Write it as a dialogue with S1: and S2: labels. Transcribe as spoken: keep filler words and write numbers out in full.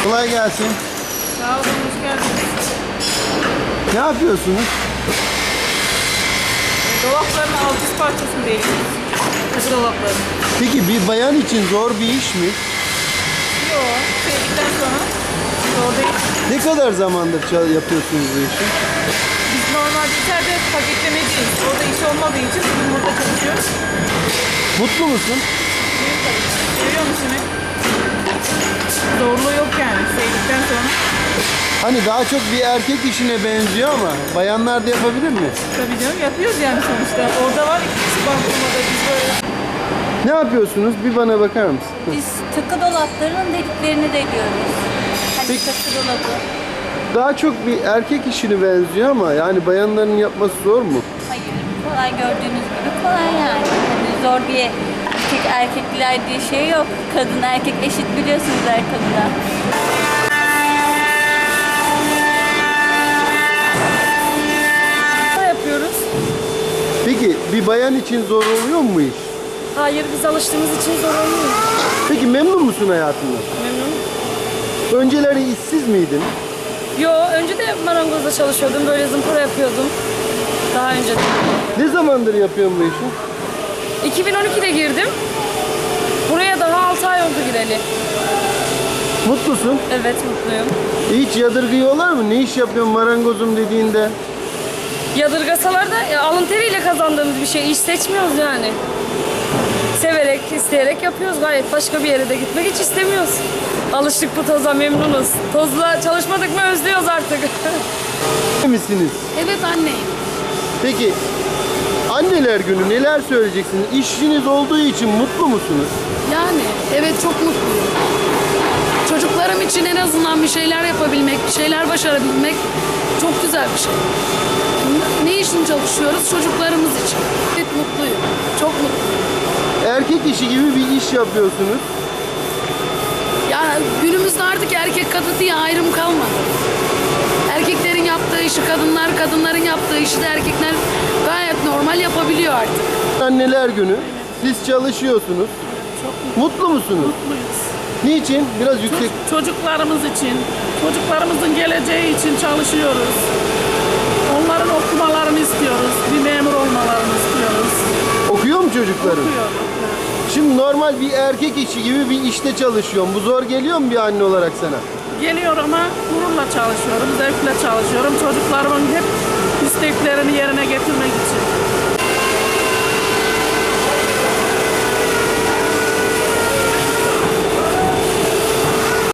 S1: Kolay gelsin.
S2: Sağ olun, hoş geldiniz.
S1: Ne yapıyorsunuz?
S2: Dolapların alt üst parçasını değiştiriyoruz. Kapı dolapları.
S1: Peki bir bayan için zor bir iş mi?
S2: Yok, sevdikten sonra zor değil.
S1: Ne kadar zamandır çal- yapıyorsunuz bu işi?
S2: Biz normalde içeride paketlemeciyiz. Orada iş olmadığı için bugün burada çalışıyoruz.
S1: Mutlu musun?
S2: Değil tabii. Seviyor musun? Zorluğu yok yani sevdikten sonra.
S1: Hani daha çok bir erkek işine benziyor ama bayanlar da yapabilir mi?
S2: Tabii canım yapıyoruz yani sonuçta. Orada var iki kişi bankomada biz böyle.
S1: Ne yapıyorsunuz? Bir bana bakar mısın?
S3: Biz takı dolaplarının deliklerini deliyoruz. Hani
S1: Peki.
S3: takı dolabı.
S1: Daha çok bir erkek işine benziyor ama yani bayanların yapması zor mu?
S3: Hayır, kolay gördüğünüz gibi kolay yani. Hani zor bir tek erkekler diye şey yok. Kadın erkek eşit biliyorsunuz her konuda.
S4: Ne yapıyoruz?
S1: Peki bir bayan için zor oluyor mu bu iş?
S4: Hayır, biz alıştığımız için zor olmuyor.
S1: Peki memnun musun hayatından?
S4: Memnun.
S1: Önceleri işsiz miydin?
S4: Yo, önce de marangozda çalışıyordum. Böyle zımpara yapıyordum. Daha önce de.
S1: Ne zamandır yapıyorsun bu işi?
S4: iki bin on ikide girdim. Buraya daha altı ay oldu gireli.
S1: Mutlusun.
S4: Evet, mutluyum.
S1: Hiç yadırgıyorlar mı? Ne iş yapıyorsun marangozum dediğinde?
S4: Yadırgasalar da ya, alın teriyle kazandığımız bir şey. İş seçmiyoruz yani. Severek, isteyerek yapıyoruz gayet. Başka bir yere de gitmek hiç istemiyoruz. Alıştık bu toza, memnunuz. Tozla çalışmadık mı özlüyoruz artık.
S1: misiniz?
S5: Evet anneyim.
S1: Peki anneler günü neler söyleyeceksiniz? İşiniz olduğu için mutlu musunuz?
S5: Yani evet çok mutluyum. Çocuklarım için en azından bir şeyler yapabilmek, bir şeyler başarabilmek çok güzel bir şey. Ne için çalışıyoruz? Çocuklarımız için. Evet mutluyum. Çok mutluyum.
S1: Erkek işi gibi bir iş yapıyorsunuz.
S5: Yani günümüzde artık erkek kadın diye ayrım kalmadı. Erkeklerin yaptığı işi kadınlar, kadınların yaptığı işi de erkekler gayet normal yapabiliyor artık.
S1: Anneler günü. Siz çalışıyorsunuz. Mutlu musunuz?
S6: Mutluyuz.
S1: Niçin? Biraz yüksek.
S6: Çocuklarımız için, çocuklarımızın geleceği için çalışıyoruz. Onların okumalarını istiyoruz. Bir memur olmalarını istiyoruz.
S1: Okuyor mu çocukların?
S6: Okuyor.
S1: Şimdi normal bir erkek işi gibi bir işte çalışıyorum. Bu zor geliyor mu bir anne olarak sana?
S6: Geliyor ama gururla çalışıyorum, zevkle çalışıyorum. Çocuklarımın hep isteklerini yerine getirmek için.